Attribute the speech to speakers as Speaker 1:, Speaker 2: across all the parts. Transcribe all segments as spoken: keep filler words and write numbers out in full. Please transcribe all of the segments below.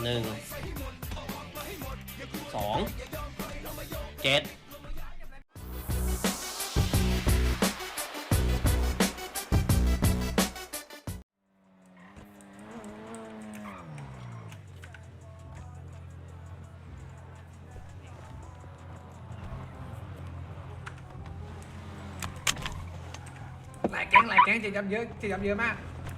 Speaker 1: หนึ่งสองเจ็ด
Speaker 2: หลายแก๊งหลายแก๊งเจ็บยับเยอะเจ็บยับเยอะมาก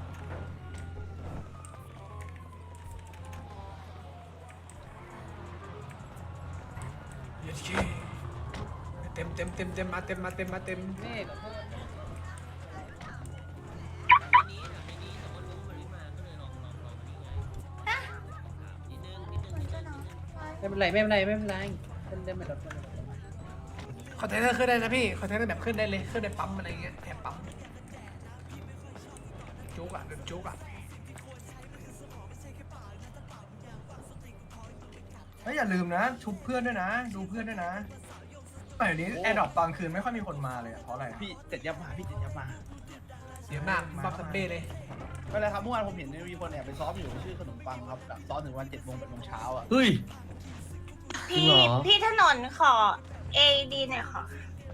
Speaker 2: เต็มเต็มเต็มเต็มมาเต็มมาเต็มมาเต็ม
Speaker 3: ไม่เป็นไรไม่เป็นไรไม่เป็นไรขึ้นได้ไม่ลด
Speaker 2: คอนเทนเนอร์ขึ้นได้นะพี่คอนเทนเนอร์แบบขึ้นได้เลยขึ้นในปั๊มอะไรเงี้ยแถมปั๊มจุกอ่ะเดินจุกอ่ะ
Speaker 4: เฮ้ยอย่าลืมนะชุบเพื่อนด้วยนะดูเพื่อนด้วยนะแต่เดี๋ยวนี้แอร์ดรอปตอนคืนไม่ค่อยมีคนมาเลยอะเพราะอะไรอะ
Speaker 5: พี่เจ็ดยับมาพี่เจ็ดยับมา
Speaker 2: เสียหน้าบัฟสเป้เลย
Speaker 5: ไม่เป็นไรครับเมื่อวานผมเห็นมีคนแอบไปซ้อมอยู่ชื่อขนมปังครับแบบซ้อมถึงวันเจ็ดโมงแปดโมงเช้าอ่ะ
Speaker 1: เฮ้ย จริง
Speaker 6: พี่
Speaker 1: เหรอ
Speaker 6: พี่ถนนขอ เอ ดี หน่อยค่ะ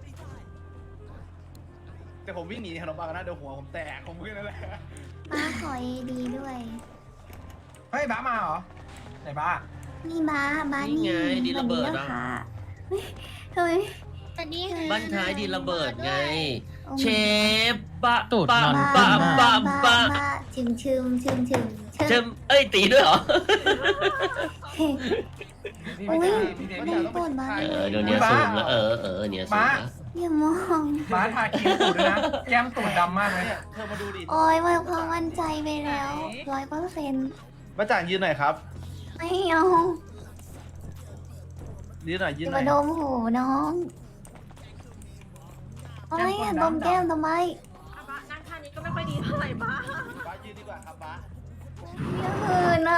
Speaker 5: แต่ผมวิ่งหนีขนมปังนะเดี๋ยวหัวผมแตกผมวิ่งนั่นแหละ
Speaker 7: บ้าขอเอดีด้วย
Speaker 4: เฮ้ยบ้ามาเหรอไหนบ้า
Speaker 7: นี่บ้าบ้า
Speaker 1: นี่ไงดินระเบิด
Speaker 7: อะ
Speaker 1: อะ
Speaker 7: ค่ะเฮ้ยเฮ้ย
Speaker 6: สวัสดีค่ะ
Speaker 1: บ้านท้ายดินระเบิดไง
Speaker 7: โอ้
Speaker 1: เชฟปะ
Speaker 3: ตูด
Speaker 1: ปะ
Speaker 3: นอน
Speaker 1: ปะ
Speaker 7: บ้า
Speaker 1: ปะ
Speaker 7: บ้า
Speaker 1: ปะ
Speaker 7: บ้าชึมชึมชึมชึม
Speaker 1: เชมเอ้ยตีด้วยเหรอ
Speaker 7: เฮ้ย
Speaker 2: พี่
Speaker 7: โอ้
Speaker 2: ไม่
Speaker 7: ย
Speaker 2: ได้พี่เด
Speaker 7: โอ้
Speaker 2: วี่
Speaker 7: ยปวดบ้า
Speaker 1: เออเดี๋ยวเนี้ยซูมแล้วเออเออเนี่ยซูมแล้ว
Speaker 7: อย่ามอง
Speaker 4: บ้าทาครีมตูดด้วยนะแก้มตูดดำมากเลย
Speaker 5: เนี่ยเธอมาดูดิ
Speaker 7: โอ้ยมันความมั่นใจไปแล้วร้อยเปอร์เซ็นต์
Speaker 5: มาจ่างยืนหน่อยครับ
Speaker 7: ไม่เอา
Speaker 5: ยืนหน่อยยื
Speaker 7: อน ย่า
Speaker 5: หน่อ
Speaker 7: มาย ดมหูน้องโอ้ยอย่าดมแก้มทำไม
Speaker 6: นั่งท่านี้ก็ไม่ค่อยดีเท่าไหร่บ้า
Speaker 5: บ้ายืนดีกว่าครับบ้า
Speaker 7: อย่าหืนนะ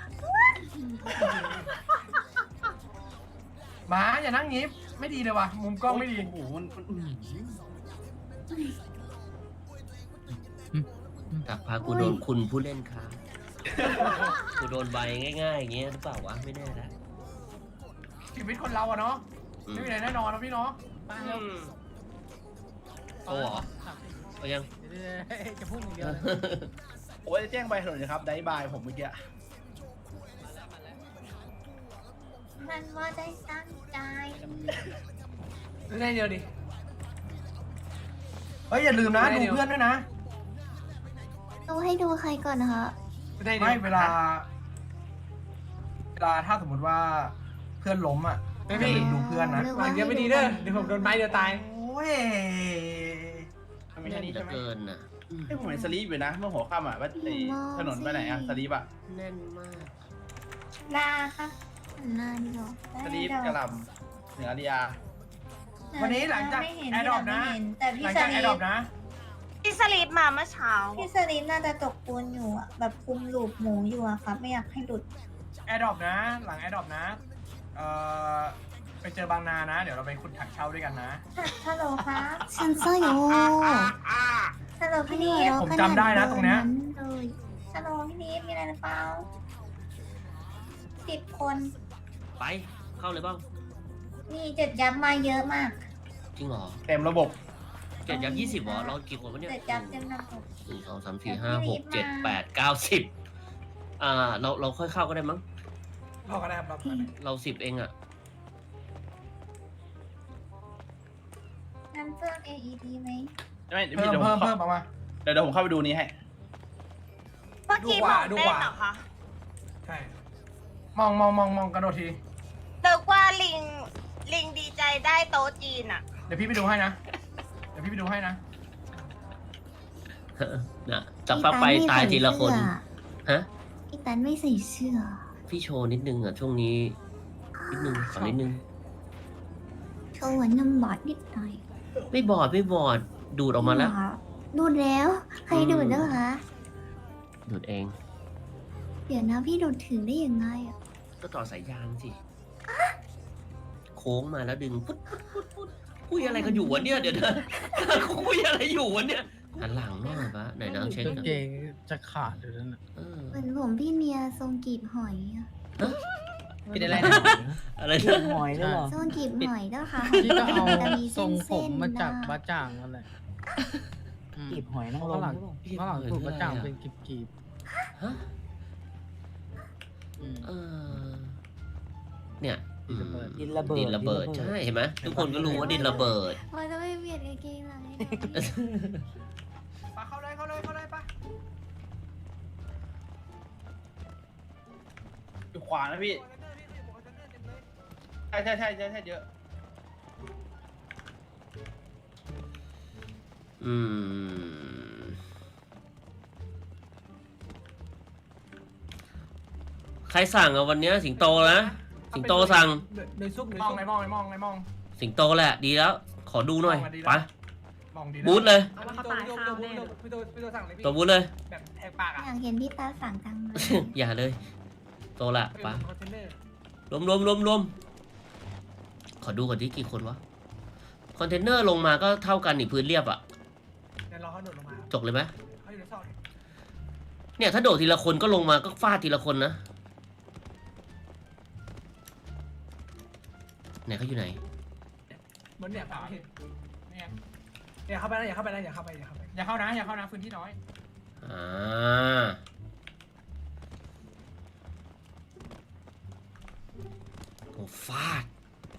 Speaker 4: บ้าอย่านั่งงี้ไม่ดีเลยว่ะมุมกล้องไม่ดี
Speaker 5: โอ้โหมันมันอื้อหือ
Speaker 1: ตักพากูโดนคุณผู้เล่นค้ากูโดนใบง่ายๆอย่างเงี้ยหรือเปล่าวะไม่แน่นะ
Speaker 4: ชีวิตคนเราอะเนาะ
Speaker 1: อืม
Speaker 4: ไม่มีอะไรแน่นอนนะพี่เนาะ
Speaker 1: อืมโอ้เหรอเอายัง
Speaker 3: จะพูดอย่างเดียว
Speaker 5: โอ้ยแจ้งใบถนนนะครับได้บายผมเมื่อกี้
Speaker 7: มันว่าได้ตั้งใจ
Speaker 2: ได้เดียวดิ
Speaker 4: เฮ้ยอย่าลืมนะ
Speaker 2: ไม่
Speaker 4: ดู
Speaker 2: เดี๋ยว
Speaker 4: เพื่อนด้วยนะ
Speaker 7: ดูให้ดูใครก่อนนะคะ
Speaker 2: ได้เดียว
Speaker 4: ไม่เวลา เวลาถ้าสมมติว่าเพื่อนล้มอ่ะ
Speaker 2: ไม่
Speaker 4: อย่า
Speaker 2: พี่
Speaker 4: ลืมดูเพื่อนนะ
Speaker 2: วางเยอะไม่ดีเด้อเดี๋ยวผมโดนไม้เดียวตาย
Speaker 4: โอ้ย
Speaker 5: ไม่ใช่นี่
Speaker 1: เหลื
Speaker 5: ใช่
Speaker 1: อ
Speaker 5: ไหม
Speaker 1: เกินน่ะ
Speaker 5: ไอ้ยผมเห็นสลีปอยู่นะเมื่อหัวค่ำอ่ะว่าไอ้ถนนไปไหนอ่ะสลีปอ่ะ
Speaker 1: แน่นมาก
Speaker 7: ลาค่ะหันหน้าดีกว่า
Speaker 5: สลีปกระหลำเหนืออาริยา
Speaker 4: วันนี้หลังจากแอร์ดรอปนะ
Speaker 7: แต่
Speaker 4: ห
Speaker 7: พี่
Speaker 4: ลัง
Speaker 7: ส
Speaker 4: จากแอ
Speaker 7: ลี
Speaker 4: ร์ดรอป
Speaker 7: ป
Speaker 4: นะ
Speaker 6: พี่สลีปมาเมื่อเช้า
Speaker 7: พี่สลีปน่าจะตกปูนอยู่อะแบบคุมลูปหมูอยู่อะครับ ไม่อยากให้หลุด
Speaker 4: แอร์ดรอปนะ หลังแอร์ดรอปนะ เอ่อ ไปเจอบางนานะ เดี๋ยวเราไปขุดถังเช่าด้วยกันนะ
Speaker 7: ฮัลโหลครับฉันซ่อยู่ฮัลโหลพี่นิด
Speaker 4: ผมจำได้นะตรงเนี้ย
Speaker 7: เลยฮัลโหลพี่นิดมีอะไรหรือเปล่าสิบคน
Speaker 1: ไปเข้าเลยบ้าง
Speaker 7: นี่เจ็ดยับมาเยอะมาก
Speaker 1: จริงเหรอ
Speaker 5: เต็มระบบ
Speaker 1: เจ็ดยับยี่สิบเหรอเรากี่คนวะเนี่ย
Speaker 7: เจ็ดยับเต็มระบบ
Speaker 1: หนึ่งสองสามสี่ห้าหกเจ็ดแปดเก้าสิบอ่าเราเราค่อยเข้าก็ได้มั้ง
Speaker 2: รอกันนะครับรอกันนะ
Speaker 1: เราสิบเองอ่ะ
Speaker 7: งั้นเพิ่ม เอ อี ดี ไหม
Speaker 5: ไม่เดี๋ยว
Speaker 4: เพิ่
Speaker 5: พี่
Speaker 4: ม
Speaker 5: เดี๋ยวผ
Speaker 4: เพิ่
Speaker 5: ม
Speaker 4: ม
Speaker 5: เข้า
Speaker 4: เพิ่มเอามา
Speaker 5: เดี๋ยวเดี๋ยวผมเข้าไปดูนี้ให้
Speaker 6: เมื่อกี้หมองเต้นเหรอคะ
Speaker 2: ใช่
Speaker 4: มองมองมองมองกระโดดที
Speaker 6: เลิกว่าลิง ลิงดีใจได้โต๊ะจีนอะ
Speaker 4: เดี๋ยวพี่ไปดูให้นะ เดี๋ยวพี่ไปดูให้นะ
Speaker 1: นะจับฟักไปตายทีละคน ฮะ
Speaker 7: อีตันไม่ใส่เสื้อ
Speaker 1: พี่โชว์นิดนึงอ่ะช่วงนี้ นิดนึงขอนิดนึง
Speaker 7: โชว์หัวนำบอดนิดหน่อย
Speaker 1: ไม่บอดไม่บอด ดูดออกมาแล้ว
Speaker 7: ดูดแล้ว ใครดูดแล้วคะ
Speaker 1: ดูดเอง
Speaker 7: เดี๋ยวนะพี่ดูดถึงได้ยังไงอะ
Speaker 1: ก็ต่อสายยางสิ โค้งมาแล้วดึงปุ๊ดปุ๊ดปุ๊ดปุ๊ดคุยอะไรกันอยู่วะเนี่ยเดี๋ยวเดี๋ยวคุยอะไรอยู่วะเนี่ยหันหลังหน่อยปะไหนน้ำเช็ค
Speaker 3: กาง
Speaker 1: กัน
Speaker 3: เกงจะขาดอยู่นั่นน่ะ
Speaker 1: เออ
Speaker 7: เหมือนผมพี่เมียทรงกีบหอยอะ
Speaker 3: ปิดอะไรนะ
Speaker 1: อะไร
Speaker 8: เก็
Speaker 1: นะ
Speaker 8: บหอยด้วยเหรอ
Speaker 7: โซนกีบหอยด้วยค่ะ
Speaker 9: พี่ก็เอา
Speaker 7: จะมี
Speaker 9: ทรงผ
Speaker 7: เส้
Speaker 9: ม
Speaker 7: นๆ
Speaker 9: มาจาก
Speaker 7: นะ
Speaker 9: บ้าจ่างนั่นแหละอืม
Speaker 8: เก็บหอยนางร
Speaker 9: ข้าง
Speaker 8: ม
Speaker 9: หลัง
Speaker 8: หรือเปล่า
Speaker 9: ข้างหลังถูกบ้าจ่างเป็นกีบกีบ
Speaker 1: ฮะ
Speaker 9: ๆอืม
Speaker 1: เออเนี่ยอืม
Speaker 8: ดินระเบิด
Speaker 1: ดินระเบิดใช่เห็นไหมทุกคนก็รู้ว่าดินระเบิด
Speaker 7: พอจะไม่เบียดกางเกงหลังให้หน่อย
Speaker 4: ปะเข้าเลยเข้าเลยเข้าเลยปะ
Speaker 5: อยู่ขวานะพี่ใช่ใช่ใช่ใช่ใช่เยอะ
Speaker 1: อืมใครสั่งอะวันเนี้ยสิงโตนะสิงโตสั่ง
Speaker 2: ในซุกใน
Speaker 4: มอง
Speaker 2: ซุก
Speaker 4: ไงมองไงมองไงมอง
Speaker 1: สิงโตแหละดีแล้ว ขอดูหน่อย
Speaker 4: มองมาดีแล้ว
Speaker 1: ไป
Speaker 4: มองดี
Speaker 1: บูธเลย
Speaker 2: เอามาเขาตายข้าวแน่พี่โตพี่โตสั่งเลยพี่
Speaker 1: ตัวบูธเลย
Speaker 2: แบบแหกปากอ่ะ
Speaker 7: อยากเห็นพี่ตาสั่งจังเลย
Speaker 1: อย่าเลย โตละไป
Speaker 2: คอนเทนเนอร์
Speaker 1: รวมรวมรวมรวมขอดูก่อนที่กี่คนวะคอนเทนเนอร์ลงมาก็เท่ากันนี่พื้นเรียบอะ
Speaker 2: เดี๋ยวรอเขาโดดลงมา
Speaker 1: จกเลยไหม
Speaker 2: เขาอยู่ในซอก
Speaker 1: เนี่ยถ้าโดดทีละคนก็ลงมาก็ฟาดทีละคนนะไหนเขาอยู่ไหน
Speaker 2: เหมือนเนี่ยปากเห็นเนี่ยอย่าเข้าไปนะอย่าเข้าไปนะอย่าเข้าไปอย่าเข้าไป
Speaker 4: อย่าเข้านะอย่าเข้านะพื้นที่น้อย
Speaker 1: อ่าโอ้ฟาด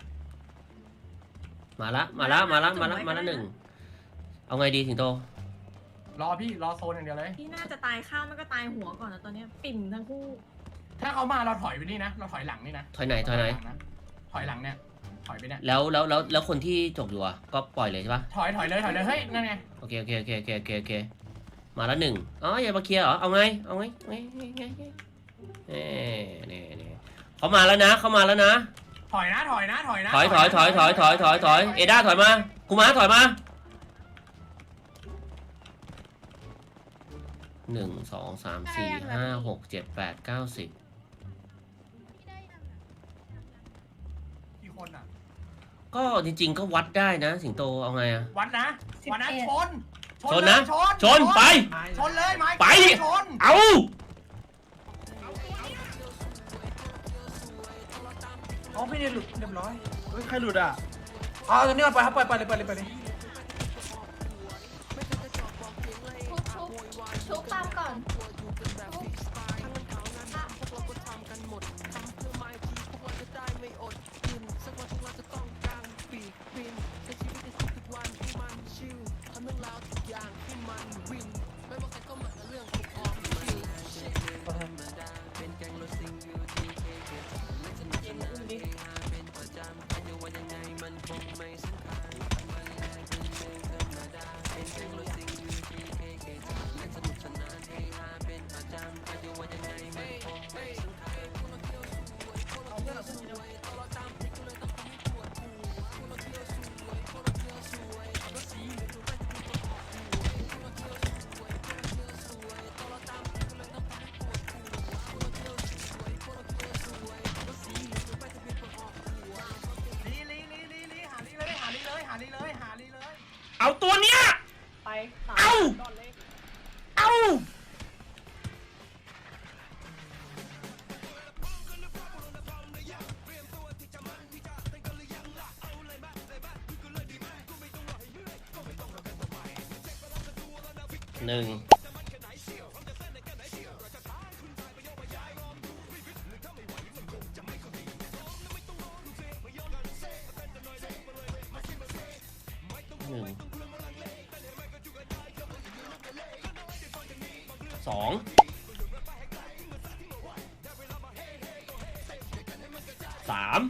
Speaker 1: มาละมาละมาละมาละมาละหนึ่งเอาไงดีสิงโต
Speaker 4: รอพี่รอโซนอย่างเดียวเลย
Speaker 10: พี่น่าจะตายข้าวไม่ก็ตายหัวก่อนนะตอนเนี้ยปิ่มทั้งคู่
Speaker 4: ถ้าเขามาเราถอยไปนี่นะเราถอยหลังนี่นะ
Speaker 1: ถอยไหนถอยไหน
Speaker 4: ถอยหลังเนี่ยถอยไปเนี่ย
Speaker 1: แล้วแล้วแล้วแล้วคนที่จกอยู่อ่ะก็ปล่อยเลยใช่ปะ
Speaker 4: ถอยถอยเลยถอยเลยเฮ้ยนั่นไง
Speaker 1: โอเคโอเคโอเคโอเคโอเคโอเคมาละหนึ่งอ๋ออย่ามาเคลียร์เหรอเอาไงเอาไงไงไงไงไงเน่เน่เน่เขามาแล้วนะเขามาแล้วนะ
Speaker 4: ถอยนะถอยนะถอยนะ
Speaker 1: ถอยถอยถอยถอยถอยถอยถอยเอด้าถอยมาคุมาถอยมาหนึ่งสองสามสี่ห้าหกเจ็ดแปดเก้าสิบ
Speaker 4: กี่คนอ่ะ
Speaker 1: ก็จริงๆก็วัดได้นะสิงโตเอาไงอะ
Speaker 4: วัดนะวัดนะชน
Speaker 1: ชนนะ
Speaker 4: ชน
Speaker 1: ชนไป
Speaker 4: ชนเลยไม้
Speaker 1: ไป
Speaker 4: ชน
Speaker 1: เอา
Speaker 2: อ๋อพี่เนี่ยหลุดเรียบร้อย
Speaker 5: เฮ้ยใครหลุดอ่ะ
Speaker 2: อ๋อตอนนี้เราไปครับไปไปเลยไปเลยไปเลย
Speaker 7: ชุบชุบชุบปั๊มก่อน
Speaker 4: ลีลีลีลีลีหาลีเลยหาลีเลยหาลีเลยหาลีเลย
Speaker 1: เอาตัวเนี้ย
Speaker 10: ไป
Speaker 1: เอา เอา หนึ่งหนึ่งสองสาม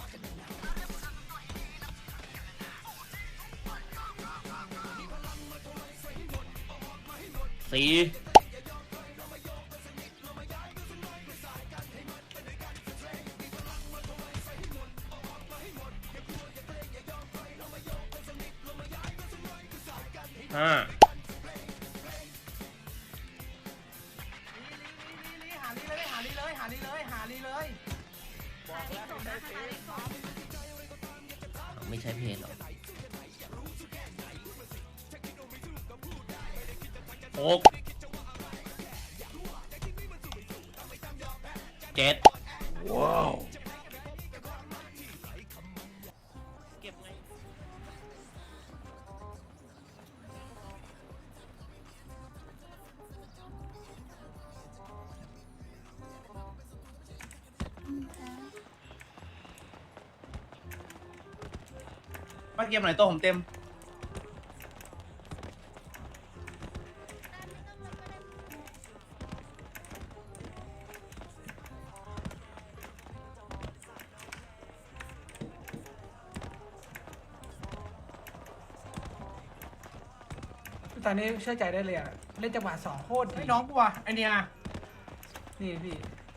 Speaker 1: สี่ห้า
Speaker 4: ลีลีลีหาลีเลยหาลีเลยหาลีเลยหาลีเลย
Speaker 1: ไม่ใช่เพจหรอหกเจ็ดเก็บไง
Speaker 5: มาเกมไหนตัวผมเต็ม
Speaker 2: ตอนนี้เชื่อใจได้เลยอะเล่นจังหวะสองโคตรดี
Speaker 4: ไอ้น้องกูว่ะไอเนีย
Speaker 2: นี่พี่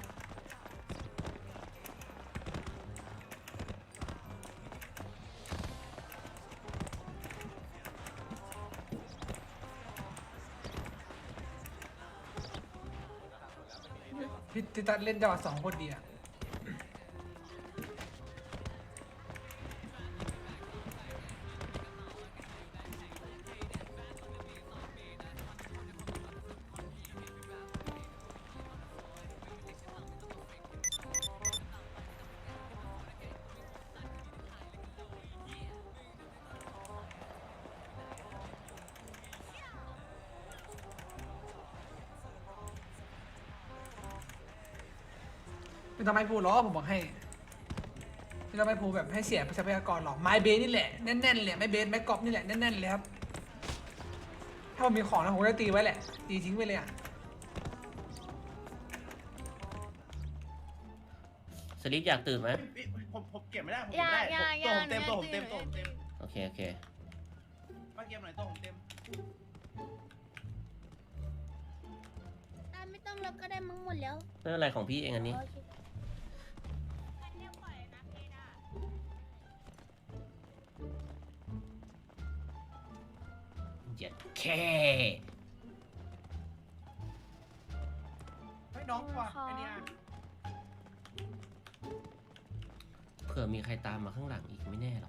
Speaker 2: พี่ติตันเล่นจังหวะสองโคตรดีอะ ไม่ต้องไม่พูดหรอกผมบอกให้ไม่ต้องไม่พูดแบบให้เสียทรัพยากรหรอกไม้เบสนี่แหละแน่นๆเลยไม้เบสไม้กอล์ฟนี่แหละแน่นๆเลยครับถ้าผมมีของนะผมจะตีไว้แหละตีทิ้งไปเลยอ่ะ
Speaker 1: สลิปอยากตื่นไหม
Speaker 5: ผมผมเก็บไม่ได้ผมเก็บไม่ได้ตัวผมเต็มตัวผมเต็มตัวผมเต็ม
Speaker 1: โอเคโอเค
Speaker 5: มาเกมไหนตัวผมเต็ม
Speaker 7: ไม่ต้องแล้วก็ได้มั้งหมดแล้ว
Speaker 1: ไม่เป็นไรของพี่เองอันนี้ เจ็ดแค่
Speaker 4: ไอ้น้องกูว่ะไอเนีย
Speaker 1: เผื่อมีใครตามมาข้างหลังอีกไม่แน่หรอก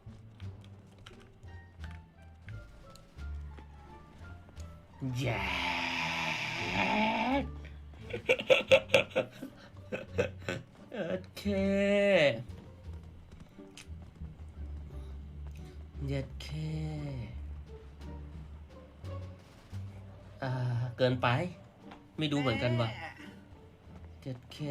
Speaker 1: แย่โอเคเย็ดเคอ่าเกินไป ไม่ดูเหมือนกันว่ะเจ็ดเค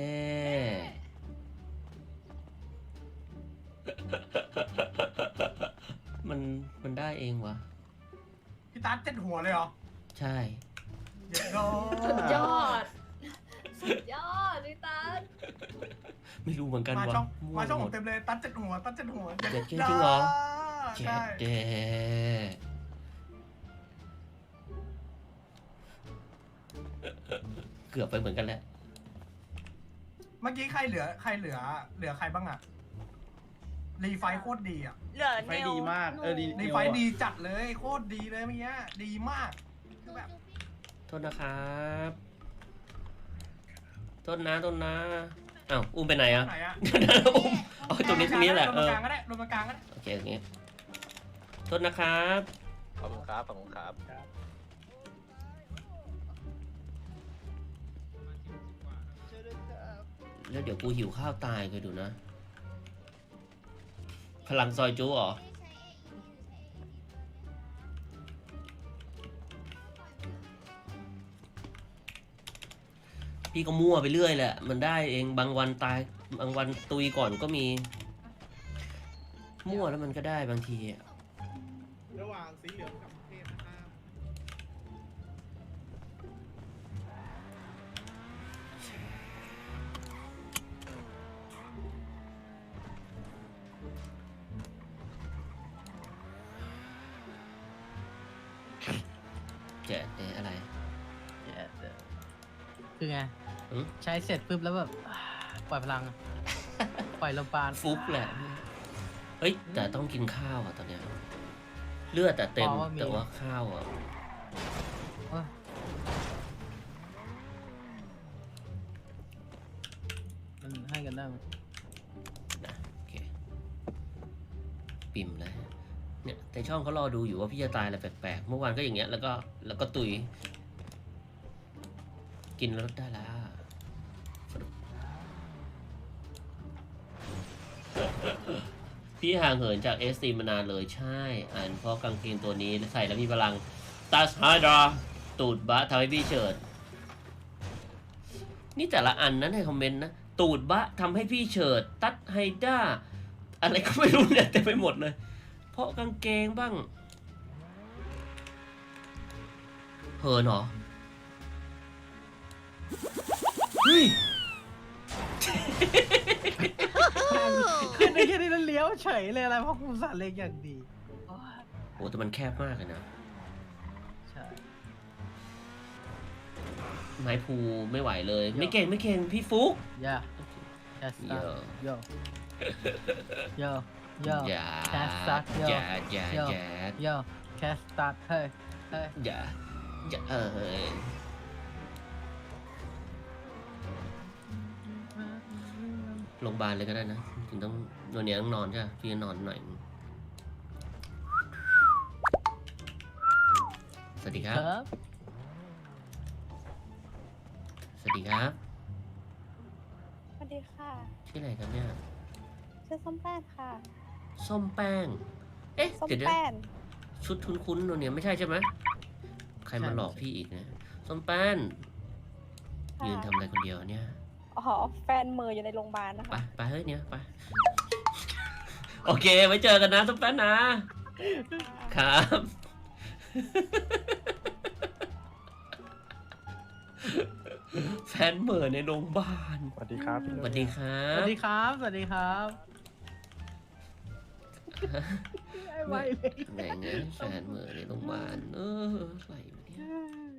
Speaker 1: มันมันได้เองวะ
Speaker 4: พี่ตั๊ดเจ็ดหัวเลยเหรอ
Speaker 1: ใช่
Speaker 4: เย็ดโด
Speaker 10: สุดยอด สุดยอดดิตัน
Speaker 1: ไม่รู้เหมือนกัน
Speaker 4: มา
Speaker 1: ว่ะ
Speaker 4: ช่อง
Speaker 1: มั่ว
Speaker 4: มาช่อง
Speaker 1: ห
Speaker 4: ผม มเต็มเลยตั๊ดเจ็ดหัวตั๊ดเจ็ดหัว
Speaker 1: เจ็ดแค่จริงเหรอ เจ็
Speaker 4: ใช่
Speaker 1: ดเดเกือบไปเหมือนกันแหละ
Speaker 4: เมื่อกี้ใครเหลือใครเหลือ เหลือใครบ้างอะรีไฟท์โคตรดีอะ
Speaker 6: เหลือ
Speaker 5: ไฟ
Speaker 6: เนว
Speaker 5: ดีมากเออดี
Speaker 4: รีไฟท์ดีจัดเลยโคตรดีเลยเมื่อกี้ดีมากคือแบบ
Speaker 1: โทษนะครับโทษนะโทษนะอ้าวอุ้มไปไหนอ่ะ
Speaker 4: ไหนอะ
Speaker 1: เดี๋ยวนะอุ้มเอาตรงนี้ตรงนี้แหละ
Speaker 4: รวม
Speaker 1: เอ
Speaker 4: ตรง
Speaker 1: อก
Speaker 4: ลางก็ได้รวมตรงกลางก็ได้
Speaker 1: โอเคอย่างงี้โทษนะครับ
Speaker 8: ขอบคุณครับ ขอบคุณครับ
Speaker 1: แล้วเดี๋ยวกูหิวข้าวตายเคยดูนะ พลังซอยจูเหรอ พี่ก็มั่วไปเรื่อยแหละ มันได้เองบางวันตาย บางวันตุยก่อนก็มี มั่วแล้วมันก็ได้บางทีอะ
Speaker 5: ระหว่างสีเหลืองกับเทพนะครับ
Speaker 1: เจ๊เอ๊ะอะไร
Speaker 9: คือไง
Speaker 1: อืม
Speaker 9: ใช้เสร็จปุ๊บแล้วแบบ อ่าปล่อยพลังอะ ปล่อยลมปราณ
Speaker 1: ฟุกแหละ เฮ้ย แต่ต้องกินข้าวอ่ะตอนเนี้ย เลือดแต่เต็ม แต่ว่าข้าวอ่ะ
Speaker 9: โอ้ยมันให้กันได้ไหม
Speaker 1: นะโอเค ปิ่มเลยเนี่ยแต่ช่องเขารอดูอยู่ว่าพี่จะตายอะไรแปลกๆ เมื่อวานก็อย่างเงี้ย แล้วก็แล้วก็ตุย กินแล้วลดได้แล้วสรุปพี่ห่างเหินจากเอสซีมานานเลยใช่ อ่านเพราะกางเกงตัวนี้ใส่แล้วมีพลังตัสไฮดราตูดบะทำให้พี่เฉิด นี่แต่ละอันนั้นในคอมเมนต์นะ ตูดบะทำให้พี่เฉิด ตัดไฮด้า อะไรก็ไม่รู้เนี่ยเต็มไปหมดเลย เพราะกางเกงบ้างเหินเหรอ เฮ้ย
Speaker 9: ขึ้นได้แค่นี้แล้วเลี้ยวเฉยเลยอะไรเพราะคุณสาเล็กอย่างดีโอ้ย
Speaker 1: โหแต่มันแคบมากเลยนะ
Speaker 9: ใช่
Speaker 1: ไม้ภูไม่ไหวเลย ไม่เก่งไม่เก่งพี่ฟุก
Speaker 9: ย่าแคสตัสโยโยโย
Speaker 1: อย่า
Speaker 9: แคสตัสโย
Speaker 1: อย่าอย่า
Speaker 9: โย
Speaker 1: อย่า
Speaker 9: โยแคสตัสเฮ้ยเฮ้ย
Speaker 1: อย่าอย่าเออโรงพยาบาลเลยก็ได้นะถึงต้องวันนี้ต้องนอนใช่ไหมพี่นอนหน่อยสวัสดีครับ
Speaker 9: ครับ
Speaker 1: สวัสดีครับ
Speaker 6: สวัสดีค่ะ
Speaker 1: ชื่ออะไรครับเนี่ย
Speaker 6: ชื่อส้มแป้นค่ะ
Speaker 1: ส้มแป้ง เอ๊ะ
Speaker 6: ส้ม
Speaker 1: เดี๋ยวเดี๋ยว
Speaker 6: แป้น
Speaker 1: ชุดคุ้นๆตัวเนี้ยไม่ใช่ใช่ไหมใครมาหลอกพี่อีกนะส้มแป้น
Speaker 6: ค่ะ
Speaker 1: ยืนทำอะไรคนเดียวเนี่ย
Speaker 6: อ๋อแฟนเมออยู่ในโรงพยาบาลนะ
Speaker 1: ไป
Speaker 6: คะ
Speaker 1: ไปเฮ้ยเนี่ยไป โอเค ไว้เจอกันนะส้มแป้นนะ ครับ แฟนเหม่อในโรงพยาบาล
Speaker 8: สวัสดีครับ
Speaker 1: สวัสดีครั
Speaker 9: สวั
Speaker 1: บ
Speaker 9: สดีครับ สวัสดีครับไอ้ไวเลย
Speaker 1: ไหนเงี้ยแฟนเหม่อในโรงพยาบาลเอออะไรวะเนี่ย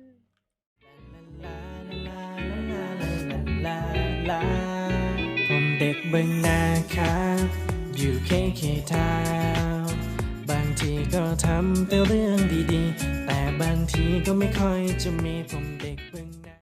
Speaker 11: ผมเด็กเบึงนาครับ อยู่เคเคทาวน์บางทีก็ทำแต่เรื่องดีๆ แต่บางทีก็ไม่ค่อยจะมีผมเด็กเบึง